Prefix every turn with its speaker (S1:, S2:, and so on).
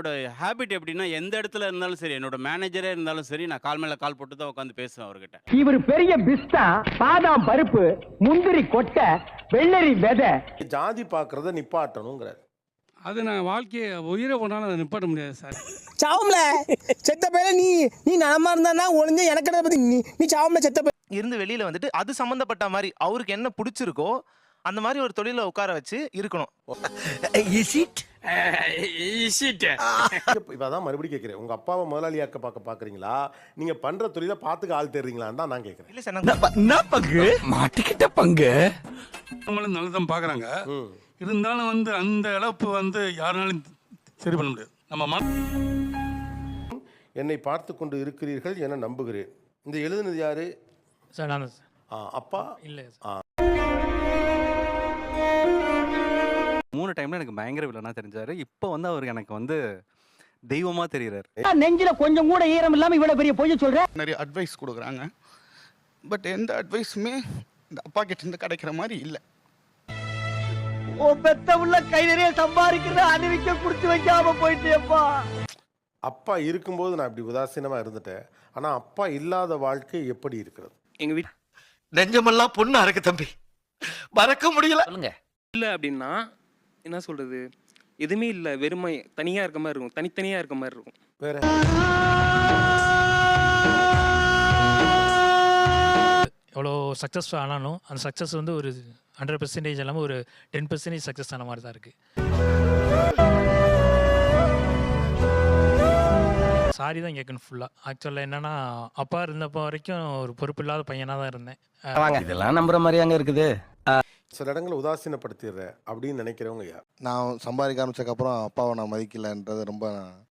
S1: என்னோட ஹேபிட் எப்படின்னா, எந்த இடத்துல இருந்தாலும் சரி, என்னோட மேனேஜரே இருந்தாலும் சரி, நான் கால் மேல கால் போட்டு தான் உட்காந்து பேசுவேன் அவர்கிட்ட.
S2: இவர் பெரிய பிஸ்தா, பாதாம் பருப்பு, முந்திரி கொட்டை, வெள்ளரி விதை.
S3: ஜாதி பார்க்கறத நிப்பாட்டணுங்கிறார்.
S4: அது நான் வாழ்க்கையை உயிரை போனாலும் அதை நிப்பாட்ட முடியாது சார்.
S5: சாவம்ல செத்த பேர நீ நலமா இருந்தா ஒளிஞ்ச எனக்கு பத்தி நீ சாவம்ல செத்த பேர்
S6: இருந்து வெளியில வந்துட்டு அது சம்பந்தப்பட்ட மாதிரி அவருக்கு என்ன பிடிச்சிருக்கோ அந்த மாதிரி ஒரு தொழில உட்கார வச்சு இருக்கணும்.
S3: இப்ப அதான் மறுபடியும் கேட்கிறேன், உங்க அப்பாவை முதலாளியாக்க பாக்குறீங்களா, நீங்க பண்ற தொழில பாத்துக்க ஆள் தெரியுங்களான்னு தான் நான் கேட்கிறேன்.
S6: இல்ல சார்,
S5: என்ன பங்கு மாட்டிக்கிட்ட பங்கு
S4: நம்மளும் நல்லதான் பார்க்குறாங்க. இருந்தாலும் வந்து அந்த இழப்பு வந்து யாருனாலும் சரி பண்ண முடியாது. நம்ம
S3: என்னை பார்த்து கொண்டு இருக்கிறீர்கள் என நம்புகிறேன். இந்த எழுதுனது யாரு
S7: சார்? நான்
S3: அப்பா
S7: இல்லை.
S8: 3 டைம்ல எனக்கு பயங்கர வில்லனா தெரிஞ்சாரு. இப்போ வந்து அவர் எனக்கு வந்து தெய்வமா தெரியுறாரு.
S2: நெஞ்சில கொஞ்சம் கூட ஈரம் இல்லாம இவ்வளவு பெரிய பொய்ய சொல்ற.
S9: நிறைய அட்வைஸ் கொடுக்குறாங்க. பட் எந்த அட்வைஸுமே இந்த அப்பா கிட்ட இருந்து கிடைக்கிற மாதிரி இல்லை.
S2: ஓ பெத்த உள்ள கை நிறைய சம்பாதிக்கிறத அணிவிக்க குடுத்து வைக்காம போயிட்டேப்பா.
S3: அப்பா இருக்கும்போது நான் இப்படி உதாசீனமா இருந்துட்டேன். ஆனா அப்பா இல்லாத வாழ்க்கை எப்படி இருக்கிறது?
S5: எங்க வீட்டு நெஞ்சமெல்லாம் பொண்ணு அறக்கு தம்பி, மறக்க முடியல.
S7: சொல்லுங்க.
S10: இல்லை அப்படின்னா என்ன சொல்றது, எதுவுமே இல்லை, வெறுமை தனியாக இருக்க மாதிரி இருக்கும், தனித்தனியாக இருக்க மாதிரி இருக்கும்.
S3: வேற
S7: எவ்வளோ சக்ஸஸ் ஆனாலும் அந்த சக்ஸஸ் வந்து ஒரு 100% இல்லாமல் ஒரு 10% சக்ஸஸ் ஆன மாதிரி தான் இருக்குது. சாரி தான் கேட்கணும் ஃபுல்லாக. ஆக்சுவலாக என்னென்னா, அப்பா இருந்தப்போ வரைக்கும் ஒரு பொறுப்பு இல்லாத பையனாக தான் இருந்தேன்.
S5: இதெல்லாம் நம்புற மாதிரி அங்க இருக்குது.
S3: சில இடங்களை உதாசீனப்படுத்திடுற அப்படின்னு நினைக்கிறவங்க யார்?
S9: நான் சம்பாதிக்க ஆரம்பிச்சதுக்கப்புறம் அப்பாவை நான் மதிக்கலைன்றது ரொம்ப